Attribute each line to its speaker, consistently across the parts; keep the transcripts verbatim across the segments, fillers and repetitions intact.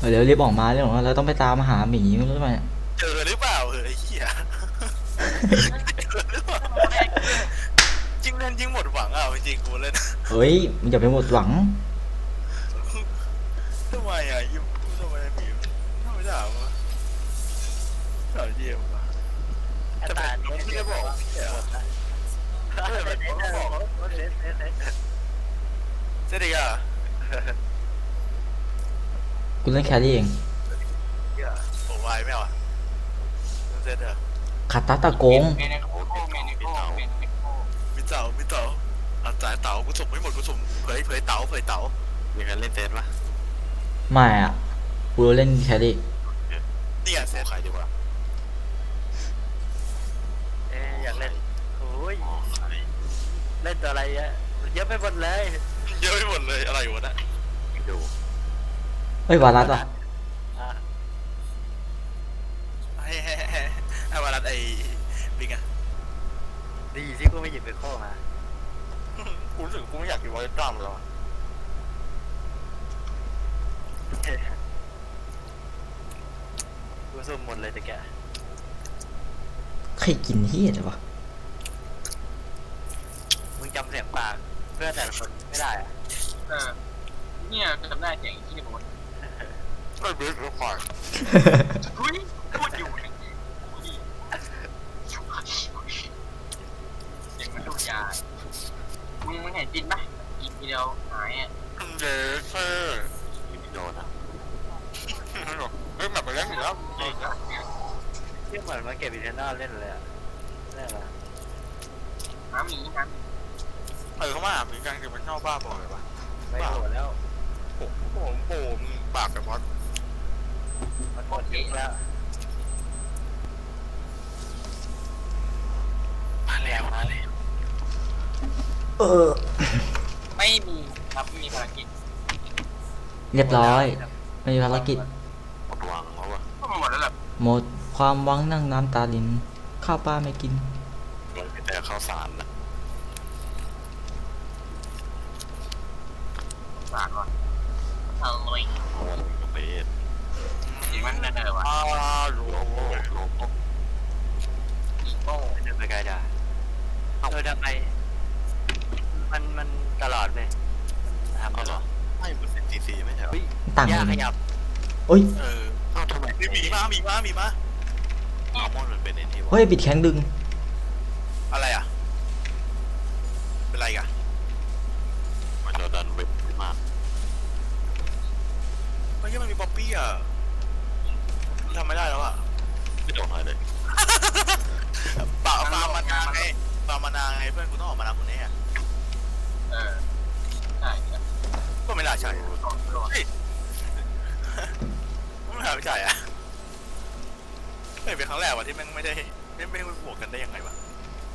Speaker 1: เดี๋ยวรีบออกมาเรื่องของเราต้องไปตามหาหมีไม่รู้ทำไม
Speaker 2: เจอหรือเปล่าเฮ้ยไอ้เหี้ยจริงเล่นจริงหมดหวังอ่ะจริงกูเล่น
Speaker 1: เฮ้ยมันอย่าไปหมดหวัง
Speaker 2: ทำไมอ่ะยิ้มทำไมหมีทำไมด่าวะด่าเยี่ยมวะแต่แบบไม่ได้บอกเหี้ยแต่แบบไม่บอกเจ๊ดิอ่ะ
Speaker 1: กูเล่นแครี่เอง
Speaker 2: โอ้ยไม่เอาอ่ะเจ๊เด้อ
Speaker 1: คาตาตะโกง
Speaker 3: เมเนโคเมเนโคเมเนโค
Speaker 2: มีเต่ามีเต่าอาจารย์เต่ากูส่งไม่หมดกูส่งเผยเผยเต่าเผยเต่ามีใครเล่นเซนปะ
Speaker 1: ไม่อ่ะกูเล่นแครี่
Speaker 2: นี่อ่ะเซนใครดีวะ
Speaker 4: เอ๊อยากเล่นโอ้ยเล่นตัวอะไรเยอะเยอะไปหมดเลย
Speaker 2: เยอะไปหมดเลยอะไรวะนะดู
Speaker 1: เฮ้ยวารัสอ่ะ
Speaker 2: ให้ให้ให้ให้วารัสไอ้บิงอะ
Speaker 4: ดีที่กูไม่หยิบไปข้อมา
Speaker 2: กูรู้สึกกูไม่อยากอยู่วอลเลย์ตั้มเลย
Speaker 4: กูสุ่มหมดเลยแต่แก
Speaker 1: ใครกินเฮียเลยวะ
Speaker 4: มึงจำเสียงปากเพื่อนแต่ละคนไม่ได้อะ
Speaker 3: เออเนี่ยจำได้เสียงที่โดน
Speaker 2: ไม่เบสหรือควาย
Speaker 3: หุ้ยพูดอยู่เสียงมันดูยามึงมึงเห็นจินปะกินทีเดียวหายอ่ะ
Speaker 2: เดสเซอร์ไม่โดนอ่ะเฮ้ยแบบไปเล่นอีกแล้ว
Speaker 4: ที่เหมือนมาเก็บอีเทนอลเล่นเลยอะเล่นอะไร
Speaker 3: น้ำหมีน้
Speaker 2: เออเขามาเหมือนกันคือมันชอบบ้าบอเลยวะ
Speaker 4: ไม่โหดแล้ว
Speaker 2: โอ้โหโป่งปากกับพอด
Speaker 4: มันหมดทิ้งแล้ว
Speaker 2: มาแล้วมาแล้ว
Speaker 1: เออ
Speaker 3: ไม่มีครับไม่มีภารกิจ
Speaker 1: เรียบร้อยไม่มีภารกิจ
Speaker 2: หมดหวังแล้ววะ
Speaker 3: ก็หมดแล้วแหละ
Speaker 1: หมดความหวังนั่งน้ำตาลินข้าวปลาไม่กิน
Speaker 2: ลงไปแต่ข้าวสารนะ
Speaker 3: สารวะอร่อย
Speaker 2: โอ้ยก็เบส
Speaker 3: จริงมันเนอร์วะ
Speaker 2: อ้าวโลโก้โลโก้
Speaker 3: อีโก้
Speaker 4: เดินไปไกลจ้ะเออทำไมมันมันตลอดเลยทำตลอด
Speaker 2: ไม่เหมือนเป็นซีซีไม่ใช่หรอ
Speaker 1: ต่าง
Speaker 4: ยากขยับ
Speaker 1: โอ้ย
Speaker 2: เออเอ้าทำไมมีมามีมามีมาอัลมอนด์มันเป็นไอ้นี่วะ
Speaker 1: เฮ้ยปิดแข้งดึง
Speaker 2: อะไรอ่ะเป็นไรกันมันจะดันเว็บมากเฮ้ยมันมีป๊อปปี้อ่ะทำไม่ได้แล้วอ่ะไม่โดนอะไรเลยป่าฟาร์มมานานไงฟาร์มมานานไงเพื่อนกูต้องออกมานาคุณเนี่ย
Speaker 3: เออใช่
Speaker 2: ก็ไม่น่าใช่เฮ้ยไม่น่าไม่ใช่อ่ะเฮ้ยเป็นครั้งแรกว่ะที่แม่งไม่ได้ไม่ไม่บวกกันได้ยังไงวะ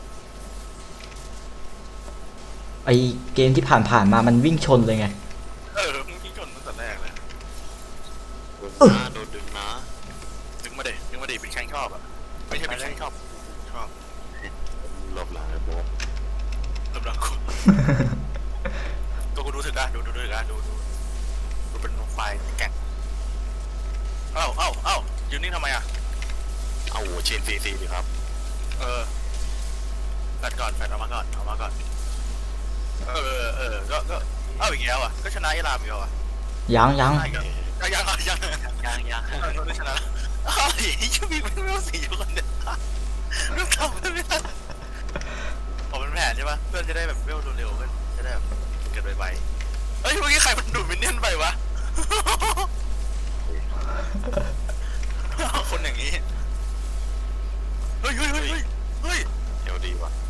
Speaker 1: ไอเกมที่ผ่านๆมามันวิ่งชนเลยไง
Speaker 2: เออมึงทิ้งชนตั้งแต่แรกเลยโดนดึงนะดึงมาเด็ดึงมาเด็เป็นแข้งชอบอ่ะไม่ใช่เป็นแข้งชอบชอบหลบหลังเลยโบ๊ะหลบหลังกูตัวกูดูถึกอ่ะดูดูดูถึกอ่ะดูดูดูเป็นไฟแก่งเอ้าเอ้าเอ้ายืนนิ่งทำไมอ่ะเอาหัวเชนซีซีดิครับเออแฟดก่อนแฟดเอามาก่อนเอามาก่อนเออเออก็ก็เอ้าอีกแล้วอ่ะก็ชนะอีรามอีกแล้วอ่ะ
Speaker 1: ยังยัง
Speaker 2: ยังยังยัง
Speaker 4: ยังยัง
Speaker 2: เราชนะอ้าวยี่ชูบีไม่ไม่ต้องสี่คนเนี่ยรู้ทำได้ไหมผมเป็นแผนใช่ปะเพื่อนจะได้แบบเวลเร็วๆเพื่อนจะได้แบบเกิดไวๆเฮ้ยเมื่อกี้ใครมันดูดมินเนี่ยนไปวะคนอย่างนี้เฮ้ยเฮ้ยเฮ้ยเฮ้ยเฮ้ยเดี๋ยวดีว่ะ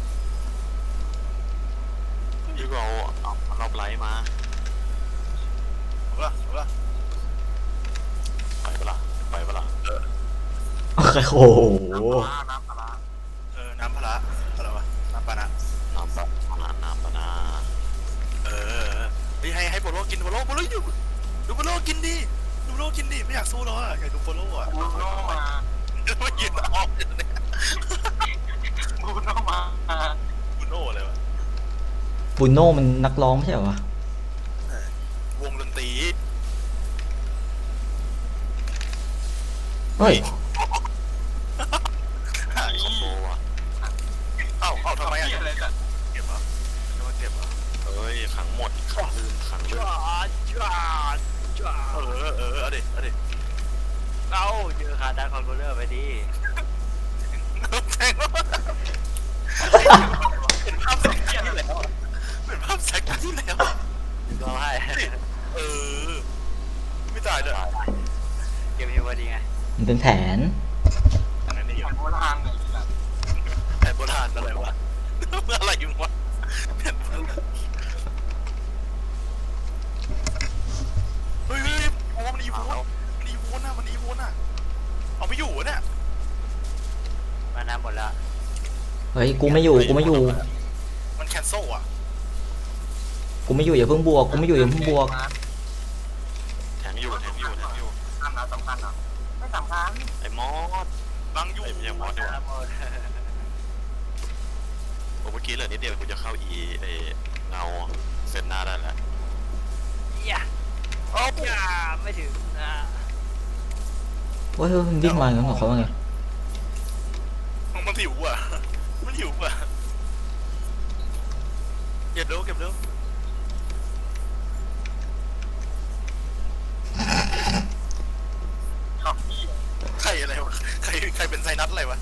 Speaker 2: ยูก็เอาเอาเอาไลท์มาเอาละเอาละไปเปล่าไปเปล่าเออ
Speaker 1: โอ้โห
Speaker 3: น้ำปลา
Speaker 2: เออน้ำพละอะไรวะน้ำปานะน้ำปานะน้ำปานะเออให้ให้ให้โปโลกินโปโลโปโลอยู่ดูโปโลกินดิดูโปโลกินดิไม่อยากสู้แล้วอ่ะอยากดูโปโลอ่ะ
Speaker 3: บูโน่มา
Speaker 2: ไม่ยืนออกเลยเนี่ย
Speaker 3: บูโน่มา
Speaker 2: บูโน่เลยวะ
Speaker 1: บูโน่มันนักร้องไม่ใช่เหรอวะ
Speaker 2: วงดนตรี
Speaker 1: เฮ้ย
Speaker 2: หายคอมโบว่ะเอ้าเอ้าทำไมอ่ะ
Speaker 3: อะไรกัน
Speaker 2: เก็บเหรอจะมาเก็บเหรอเอ้ยขังหมดขังลืมขังลืม
Speaker 4: จ้าจ้า
Speaker 2: เออเออเอาดิเอาดิ
Speaker 4: เอาเจอคาร์ดคอนโทรลเลอร์ไปดิ
Speaker 2: แทงแล้วเป็นภาพแซกที่แล้วเป็นภาพแซกที่แล้ว
Speaker 4: ร้องไห้
Speaker 2: เออไม่ตายเลย
Speaker 4: เกมฮิวพอดีไง
Speaker 1: มันเป็นแผน
Speaker 2: อันนั้นนี่
Speaker 3: ของโบราณเลยแบบ
Speaker 2: แผ่นโบราณอะไรวะอะไรอยู่วะแผ่นโบราณเฮ้ยเฮ้ยโอ้มันอีโวมันอีโวน่ะมันอีโวน่ะเอาไม่อยู่เนี่ย
Speaker 4: มาน้ำหมดแล้ว
Speaker 1: เฮ้ย กูไม่อยู่ กูไม่อยู่
Speaker 2: มันแคนเซิลอ่ะ
Speaker 1: กูไม่อยู่อย่าเพิ่งบวก กูไม่อยู่อย่าเพิ่งบวก
Speaker 2: แทงอยู่แทงอยู่แทงอยู่
Speaker 3: สำคัญนะสำคัญนะไม่สำคัญ
Speaker 2: ไอ้มอสบังอยู่ไอ้ยังมอสอยู่
Speaker 4: น้ำหมด
Speaker 2: ผมเมื่อกี้เหลือนิดเดียวกูจะเข้าอีไอ้เงาเซนหน้าได้แล้ว
Speaker 4: อย่า
Speaker 2: โอ้
Speaker 4: อย่าไม่ถึงนะ
Speaker 1: เฮ้ยเฮ้ยมันวิ่งมาอย่างนั้นของเขาว่าไง
Speaker 2: มันหิวอ่ะมันหิวอ่ะเก็บเร็วเก็บเร็วครับพี่ใครอะไรวะใครใครเป็นไซนัสอะไรวะ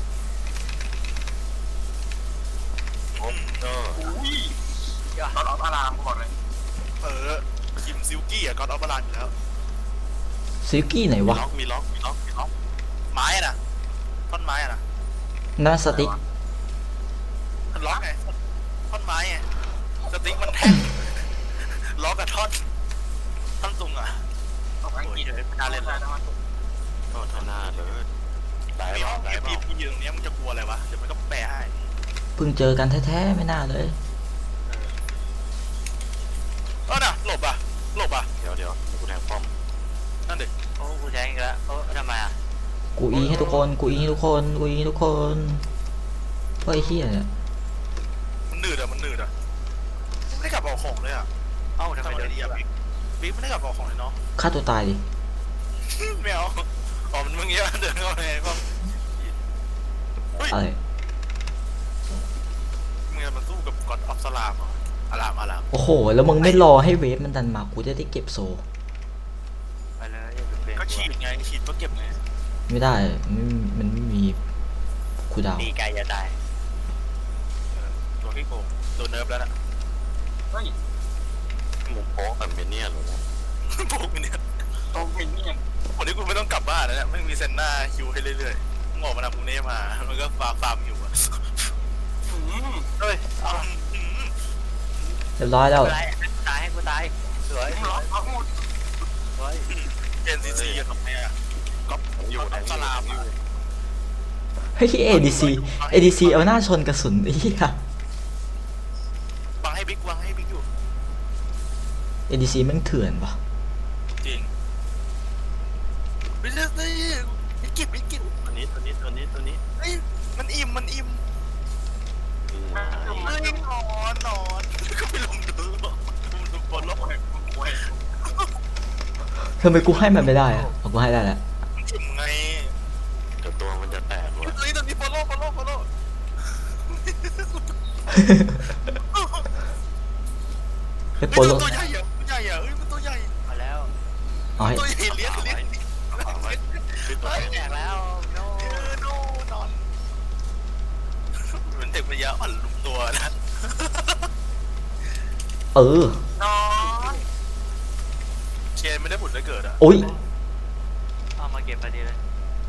Speaker 2: อืมเออ
Speaker 3: อุ้ย
Speaker 4: อย่า
Speaker 3: ตอนออฟอารามก่อนเลย
Speaker 2: เออคิมซิลกี้อะก็อดออฟบาลานอยู่แล้ว
Speaker 1: ซิลกี้ไหน
Speaker 2: มี
Speaker 1: วะ
Speaker 2: ล็อกมีล็อกมีล็อกมีล็อกไม้อะนะท่อนไม้อะนะ
Speaker 1: นั่นสติ๊ก
Speaker 2: มันล็อกไงท่อนไม้ไงสติ๊กมันแท่งล็อกกับท่อนท่อนตุงอะ
Speaker 3: ตกอังกฤษเลย
Speaker 2: น่าเล่นเลย
Speaker 3: นะมัน
Speaker 2: โอ้ท่าน่าเลยได้เปล่าได้เปล่าพี่ยืนตรงนี้มึงจะกลัวอะไรวะเดี๋ยวมันก็แปะให้
Speaker 1: เพิ่งเจอกันแท้ๆไม่น่าเลย
Speaker 2: เออน่ะหลบอ่ะหลบอ่ะเดี๋ยวเดี๋ยวกูแทงป้อมนั่นเด็ก
Speaker 4: โอ้กูแทงอีกแล้วโอ้ทำไมอ่ะ
Speaker 1: กูอีให้ทุกคน กูอีให้ทุกคน กูอีให้ทุกคน เฮ้ยเฮียเนี่ย
Speaker 2: มันหนืดอ่ะมันหนืดอ่ะไม่ได้กลับเอาของเลยอ่ะ
Speaker 4: เอ้าทำไม
Speaker 2: ทำไม
Speaker 4: เดิ
Speaker 2: เดี๋ย
Speaker 4: น
Speaker 2: ว
Speaker 4: ดี
Speaker 2: นี้
Speaker 4: อ่ะ
Speaker 2: อ่ะบิ๊กบิ๊กไม่ได้กลับเอาของเลยเนาะ
Speaker 1: ฆ่าตัวตายดิ
Speaker 2: ไม่เอาอ๋อมันมึงเงี้ยเดินเข้าไปป้อมเฮ้ย
Speaker 1: อะไร
Speaker 2: มึงมันสู้กับก็อดออฟสลามเหรออารามอาราม
Speaker 1: โอ้โห แล้วมึงไม่รอให้เวฟมันดันมา กูจะได้เก็บโซ
Speaker 4: ไปเลยอย่าไปเปลี่ยน
Speaker 2: ก็ฉีดไงฉีดก็เก็บไง
Speaker 1: ไม่ได้ไม่มันไม่มีคูลดาวน์
Speaker 4: ตีไกลอย่าตาย
Speaker 2: ตัวขี้โกงโดนเนิร์ฟแล้วน่ะ
Speaker 3: เฮ้ย
Speaker 2: มุมโป๊กแบบเมเนียนเลยนะโป๊กเมเนียน
Speaker 3: ตรงเป็นเนี่ย
Speaker 2: วันนี้กูไม่ต้องกลับบ้านแล้วเนี่ยไม่มีเซนหน้าคิวให้เรื่อยๆมึงออกมาทำกูเน่มามันก็ฟาร์มฟาร์มอยู่อ่ะ
Speaker 3: อืม
Speaker 2: เฮ้ยเอาอืม
Speaker 1: เรียบร้อยแล้ว
Speaker 4: ตายตายให้กูตายสวยส
Speaker 3: ล็
Speaker 4: ว
Speaker 3: อย กล็อกหมด
Speaker 4: สวย
Speaker 2: เอ็นซีซีอะทำไมอะก็อยู่ในสลามอยู่
Speaker 1: เฮ้ย เอ ดี ซี เอ ดี ซี เอาหน้าชนกระสุนไอ้เหี้ยว
Speaker 2: างให้บิ๊กวางให้บิ๊กอยู่
Speaker 1: เอ ดี ซี มันเถื่อนปะ
Speaker 2: จริงไม่ใช่ไม่เก็บไม่เก็บตัวนี้ตัวนี้ตัวนี้ตัวนี้เฮ้ยมันอิ่มมันอิ่มเฮ้ยนอนนอนก็ไปลงดูลงดูบอลลง
Speaker 3: โอ้ย
Speaker 1: ทำไมกูให้มันไม่ได้อะเอากูให้ได้แล้ว
Speaker 2: มันอิ่มไงเดี๋ยวตัวมันจะแตกวะเฮ้ยตัวนี้บอลโลบอลโลบอลโล
Speaker 1: ไอ้โป
Speaker 2: เฮ้ย
Speaker 1: โล
Speaker 2: ตัวใหญ่อะตัวใหญ่อะเฮ้ยมันตัวใหญ่
Speaker 4: มาแล้ว
Speaker 1: เอาให้
Speaker 2: ตัวใหญ่เลี้ยงเลี้ยงเฮ้ย
Speaker 4: แตกแล้วโน้
Speaker 2: เออโน่นอนเหมือนเด็กระยะอ่อนลุมตัวนะ
Speaker 1: เออ
Speaker 3: นอน
Speaker 2: เชนไม่ได้ผุดได้เกิดอ่ะ
Speaker 1: โอ้ย
Speaker 4: เอามาเก็บพอดีเลย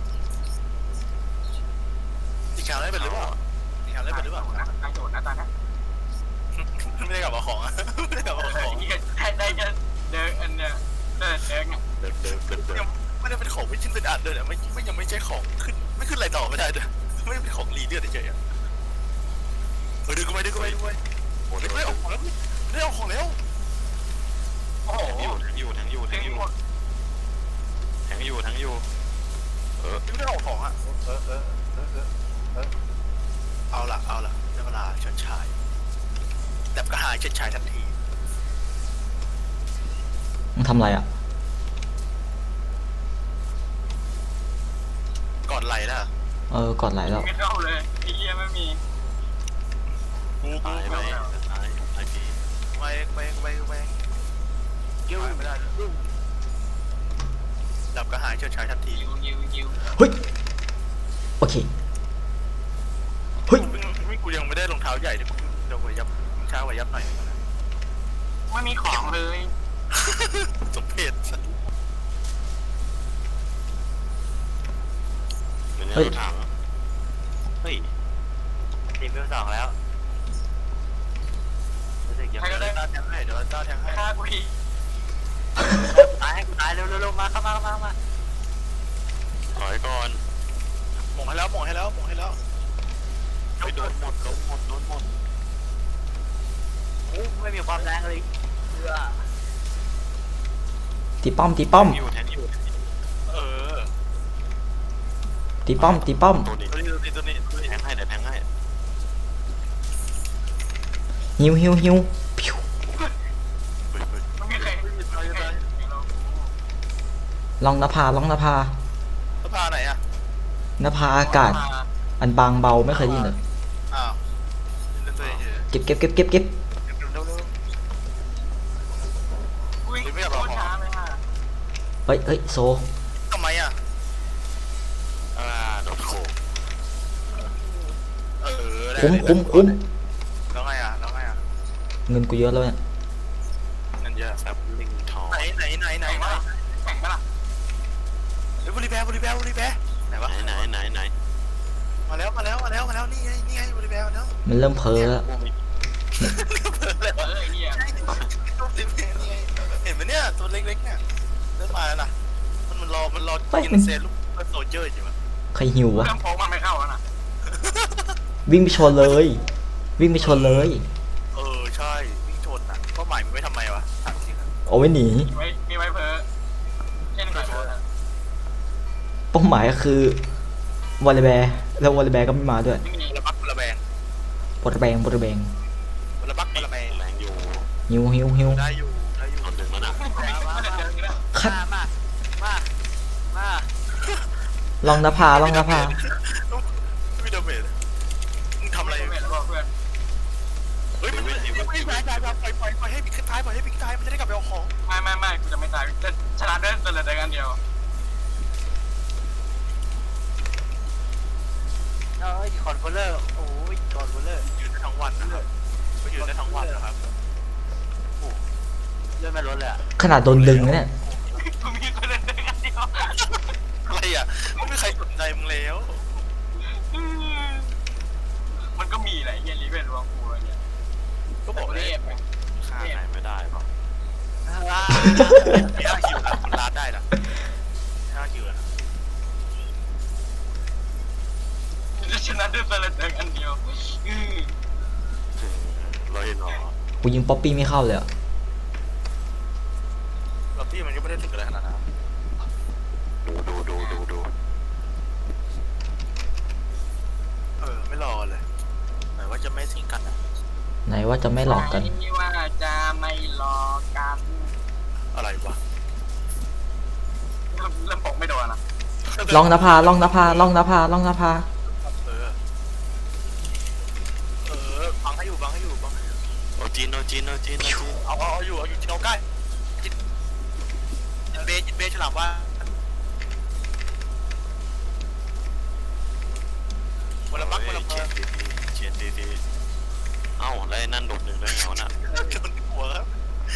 Speaker 2: อีกครั้งได้เป็นหรือเปล่าอีกครั้งได้เป็นหรือเปล่า
Speaker 3: นะนายโดดนะตอนนี้
Speaker 2: ไม่ได้กลับมาของอ่ะไม่ได้กลับมาของ
Speaker 3: ใครได้จะเดินอันเนี่ยเดินเดิน
Speaker 2: เดิมเดิมเดิมเดิมไม่ได้เป็นของไม่ชิ้นเป็นอันเลยอ่ะไม่ไม่ยังไม่ใช่ของขึ้นไม่ขึ้นอะไรต่อไม่ได้เลยไม่ได้เป็นของรีเลือดเฉยๆอ่ะเออดึงเข้าไปดึงเข้าไปดึงเข้าไปโอ้ยไม่เอาของแล้วไม่เอาของแล้ว
Speaker 3: โอ้โห
Speaker 2: แทงอยู่แทงอยู่แทงอยู่แทงอยู่แทงอยู่เออไม่ได้เอาของอ่ะเออเออเออเออเออเอาละเอาละได้เวลาเฉิดฉายดับกระหายเฉิดฉายทันที
Speaker 1: มึงทำอะไรอ่ะเออกดไหลแล้ว
Speaker 3: ไม่เข้าเลยไอ้เหี้ยไม่มี
Speaker 2: กูกู
Speaker 5: ตายไหมตายตายที
Speaker 2: ไปไปไปไปกิ้วไม่ได้ดับกระหายเชิดชายทันที
Speaker 3: ยิวยิวยิว
Speaker 1: เฮ้ยโอเคเฮ้ย
Speaker 2: ไม่กูยังไม่ได้รองเท้าใหญ่เลยเดี๋ยวกูยับช้ากว่ายับหน่อย
Speaker 3: ไม่มีของเลย
Speaker 2: สมเพช
Speaker 5: เป็นรถถังเฮ้ย
Speaker 4: ทีมเบลสองแล้วรู้สึกยัง
Speaker 3: ใคร
Speaker 2: เดี๋
Speaker 3: ก็
Speaker 2: ยว
Speaker 3: ได้
Speaker 2: เราต้าแทงให้เดี๋ยวเราต้าแทงให้
Speaker 3: ฆ่ากูที
Speaker 4: ตายให้กูตายเร็วเร็วมาเข้ามาเข้ามาเข้ามา
Speaker 5: ถอยก่อน
Speaker 2: หมงให้แล้วหมงให้แล้วหมงให้แล้ว
Speaker 5: ไปโดนหมดโดนหมดโดนหมด
Speaker 4: โอ้ไม่มีความแรงเลยเพื่อ
Speaker 1: ตีป้อมตีป้อม
Speaker 5: อยู่แทนอยู่
Speaker 2: เออ
Speaker 1: ตีป้อมตีป้อม
Speaker 5: ตัวนี้
Speaker 2: ตัวนี้ตัวนี้ตัวนี้ตัวนี้
Speaker 5: แทงให้เดี๋ยวแทงให้
Speaker 1: หิวหิวหิวพิว
Speaker 3: ไม่มีใคร
Speaker 2: ตายตาย
Speaker 1: ลองนภาลองนภา
Speaker 2: สภาไหนอ่ะ
Speaker 1: นภาอากาศ อันบางเบาไม่เคยได้ยินเลย
Speaker 2: อ้าวเล่นตัวเองเฉย
Speaker 1: เก็บเก็บเก็บเก็บเก็บ
Speaker 2: เร็วเร็ว
Speaker 3: วิ่งโคตรช้าเลยค่ะ
Speaker 1: เฮ้ยเฮ้ยโซ
Speaker 2: ทำไมอ่ะ
Speaker 5: อ่าโดนโขก
Speaker 2: เออ
Speaker 1: คุ้มคุ้มคุ้ม
Speaker 2: แล้วไงอ่ะแล้วไงอ่ะ
Speaker 1: เงินกูเยอะแล้วเนี่ย
Speaker 2: นั่นเยอะ
Speaker 5: แซบลิงทอง
Speaker 2: ไหนไหนไหนไหน
Speaker 3: แข่ง
Speaker 2: ไหน
Speaker 3: ปะล่ะแข่งปะล่ะ
Speaker 2: เฮ้ยบริแบร์บริแบร์บริแบร์ไหนวะ
Speaker 5: ไหนไหนไหนไหน
Speaker 2: มาแล้วมาแล้วมาแล้วมาแล้วนี่ไงนี่ไงบริแบร์มาแล้ว
Speaker 1: มันเริ่มเพ้อแล้ว
Speaker 3: เออไอ้เหี้ย
Speaker 2: นี่ไงเห็นไหมเนี่ยตัวเล็กๆเนี่ยเริ่มมาแล้วนะมันมันรอมันรอกินเซลูกมันโซเยอร์อยู่มั้ย
Speaker 1: ใครหิววะ
Speaker 3: เริ่มโผล่มันไม่เข้าแล้วนะ
Speaker 1: วิ่งไปชนเลย วิ่งไปชนเลย
Speaker 2: เออใช่วิ่งชนอ่ะเป้าหมายมันไม่ทำไมวะถามจริงอ่ะ
Speaker 1: เอาไว้หนี
Speaker 3: มีไว้มีไว้เพ้อเช่นกับ
Speaker 1: เป้าหมายก็คือวอลเลย์แบร์แล้ววอลเลย์แบร์ก็ไม่มาด้วย
Speaker 3: ไม่มี
Speaker 2: คนละบักคนละแบง
Speaker 1: บอลแบงบอลแบง
Speaker 2: คนละบักคนละแบง
Speaker 5: แรงอยู่
Speaker 1: หิวหิวหิว
Speaker 2: ได้อยู่ได้อยู่
Speaker 5: โดนดึงแล้วนะ
Speaker 3: ไม่ได้เดินกันแล้ว
Speaker 1: คัด
Speaker 4: มามามา
Speaker 1: ลองนภาลองนภา
Speaker 2: ไม่เดาเมจมึงทำอะไร
Speaker 3: เพื่อนเพื่อน
Speaker 2: เฮ้ยมันไม่ไม่ไม่ไม่ไม่ปล่อยปล่อยปล่อยให้ปิดขึ้นท้ายปล่อยให้ปิดขึ้นท้ายมันจะได้กลับไปเอาของ
Speaker 3: ไม่ไม่ไม่กูจะไม่ตายจะชนะเดินเดินเดินกันเดียว
Speaker 4: เอ้ยคอนโทรลเลอร์โอ้ยคอนโทรลเลอร์
Speaker 2: ยืนได้ทั้งวันนะครับก็ยืนได้ทั้งวันนะครับ
Speaker 4: เลื่อนไม่ลดเลยอ่ะ
Speaker 1: ขนาดโดนดึงนะเนี่ย
Speaker 3: กูมีคนเดินเดินกันเดียว
Speaker 2: อะไรอ่ะไม่มีใครสนใจมึงแล้ว
Speaker 3: มันก็มีแหละเฮียรีเป็นรวงกูอะไรเงี้ย
Speaker 2: ก็บอกเลย
Speaker 3: เรียบไป
Speaker 5: ฆ่าใครไม่ได้เปล่า
Speaker 2: มีห้าคิวนะมันลาดได้นะห้าคิวนะ
Speaker 3: จะชนะเดินเดินเดินกันเดียว
Speaker 5: เลยหรอ
Speaker 1: กูยิงป๊อปปี้ไม่เข้าเลยอะ
Speaker 2: แล้วพี่มันก็ไม่ได้ถึงอะไรขนาดนั้น
Speaker 5: ดูดูดูดูดู
Speaker 2: เออไม่รอเลยหมายว่าจะไม่ทิ้งกันนะ
Speaker 1: ไหนว่าจะไม่หลอกกัน
Speaker 3: ไม่ว่าจะไม่หลอกกัน
Speaker 2: อะไรวะ
Speaker 3: เริ่มเริ่มปกไม่โดนละ
Speaker 1: ลองนภาลองนภาลองนภาลองนภา
Speaker 2: เออเออบังให้อยู่บังให้อยู่บังให้อยู่
Speaker 5: โอจีนโอจีนโอจีนโอจีน
Speaker 2: เอาเอาเอาอยู่เอาอยู่จินเอาใกล้จินจินเบจินเบฉลามว่าวันละบักวันละเพ
Speaker 5: เชี
Speaker 2: ลิ
Speaker 5: ย
Speaker 2: น
Speaker 5: นทีทีเชียนทีทีเอ้าแล้วนั่นโดดหนึ่งได้ไงวะน่ะ
Speaker 2: โดนหัวครับ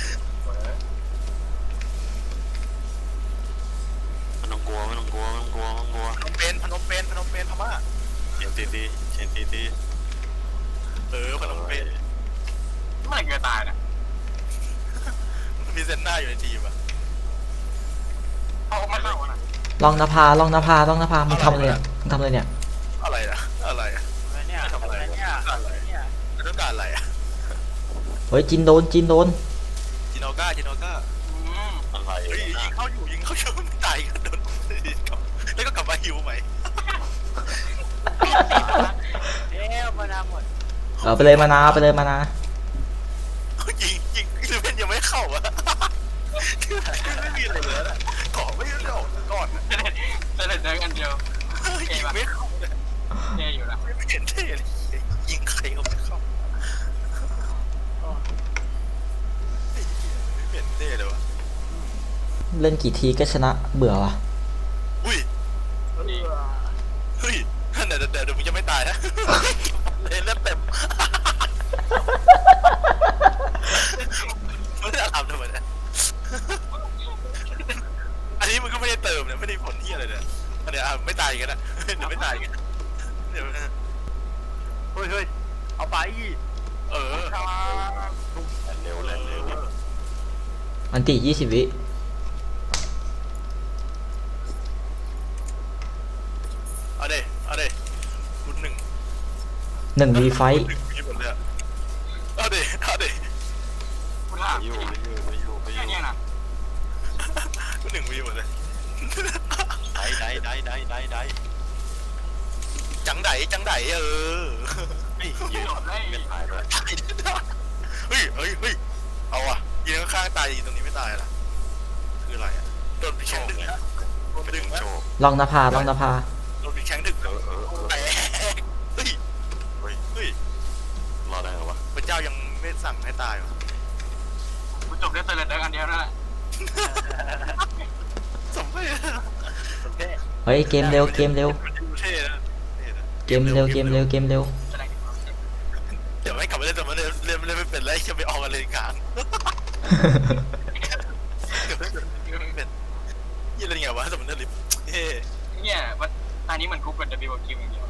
Speaker 5: มันต้องกลัวไม่ต้องกลัวไม่ต้องกลัวไม่ต้องกลัว
Speaker 2: พนมเปญพนมเปญพนมเปญพม่า
Speaker 5: เชียนทีทีเชียนทีที
Speaker 2: เออพนมเปญ
Speaker 3: เมื่อไหร่เกยตายเนี่ย
Speaker 2: มีเซนหน้าอยู่ในทีมอะ
Speaker 3: เอาไม่เข้าอ่ะ
Speaker 1: ลองนภาลองนภาลองนภามึงทำอะไรเนี่ยมึงทำอะไรเนี่ย
Speaker 2: อะไรอะอะไรอะ
Speaker 4: เนี่ยทำอะไรเนี่ยเนี่ย
Speaker 2: ต้องการอะไรอะ
Speaker 1: เฮ้ยจินโดนจินโดน
Speaker 2: จินอก้าจินอก้า
Speaker 3: อืม
Speaker 5: อะไร
Speaker 2: เฮ้ยยิ
Speaker 5: นะ
Speaker 2: งเข้าอยู่ยิงเข้าอยู่ไม่ตายกันโดนแล้วก็กลับมาฮิวใหม่
Speaker 4: เอ๊ะมานาหมด
Speaker 1: เออไปเลยมานาไปเลยมานา
Speaker 2: ยิงยิงคือเป็นยังไม่เข้าอะไม่มีอะไรเลยก่อไม่ได้ออกก่อน
Speaker 3: เดินเดินกันเดียว
Speaker 2: ยิงไม่เข้าเลย
Speaker 1: เล่นกี่ทีก็ชนะเบื่อวะ
Speaker 2: อุ้ยเฮ้ยเดี๋ยวเดี๋ยวเดี๋ยวมึงจะไม่ตายนะ เลยเลือดเต็มไม่ได้ทำทำไมเนี่ยอันนี้มึงก็ไม่ได้เติมเนี่ยไม่ได้ผลที่อะไรเนี่ยอันเนี้ยอ่ะไม่ตายกันนะเดี๋ยวไม่ตายกันเดี๋ยว
Speaker 4: เฮ้ยเฮ้ยเอาไป
Speaker 2: เออ
Speaker 5: เร็วเร็วเร็ว
Speaker 1: อันติยี่สิบวิ
Speaker 2: เอาเด้เอาเด้คุณหนึ่ง
Speaker 1: หนึ่งวีไฟ
Speaker 2: หนึ่งมีหมดเลยอะเอาเด้เอาเด้
Speaker 3: คุณล่ะ
Speaker 5: ไม่อยู่ไม่อยู่ไม่อยู่ไม่อ
Speaker 3: แค่
Speaker 5: ยู่
Speaker 3: เนี้ยนะ
Speaker 2: คุณหนึ่งมีหมดเลย
Speaker 5: ได้ได้ได้ได้ได้ได้
Speaker 2: จังไดจังไดเออ
Speaker 5: เฮ้ยยืนกันถ่ายด้วย
Speaker 2: เฮ้ยเฮ้ยเฮ้ยเอาอ่ะยืนข้างๆตายตรงนี้ไม่ตายล่ะคืออะไรอ่ะโดนพี่แข้งดึงนะโดนดึงนะ
Speaker 5: โชว์
Speaker 1: ลองนภาลองนภา
Speaker 2: โดนพี่แข้งดึง
Speaker 5: เออเออเออ
Speaker 2: แตกเฮ้ย
Speaker 5: เฮ้ย
Speaker 2: เฮ้ย
Speaker 5: รอได้เหรอวะ
Speaker 2: พระเจ้ายังไม่สั่งให้ตายวะ
Speaker 3: กูจบได้เตลเด็กอันเดียวนั่นแหละ
Speaker 2: สมเพช
Speaker 4: สมเพศ
Speaker 1: เฮ้ยเกมเร็วเกมเร็ว
Speaker 2: เท่นะเท่นะ
Speaker 1: เกมเร็วเกมเร็วเกมเร็ว
Speaker 3: แสดงถึงความเจ็บ
Speaker 2: เดี๋ยวไม่กลับมาเล่นแต่มันเล่นเล่นเล่นไม่เป็นแล้วจะไปออกกันเลยกลางเล่นไม่เป็นยี่อะไรเงี้ยวะแต่มันเล่นลิฟเท่
Speaker 3: เนี่ยวันอันนี้เหมือนคุกกับ ดับเบิลยู คิวอย่างเดียว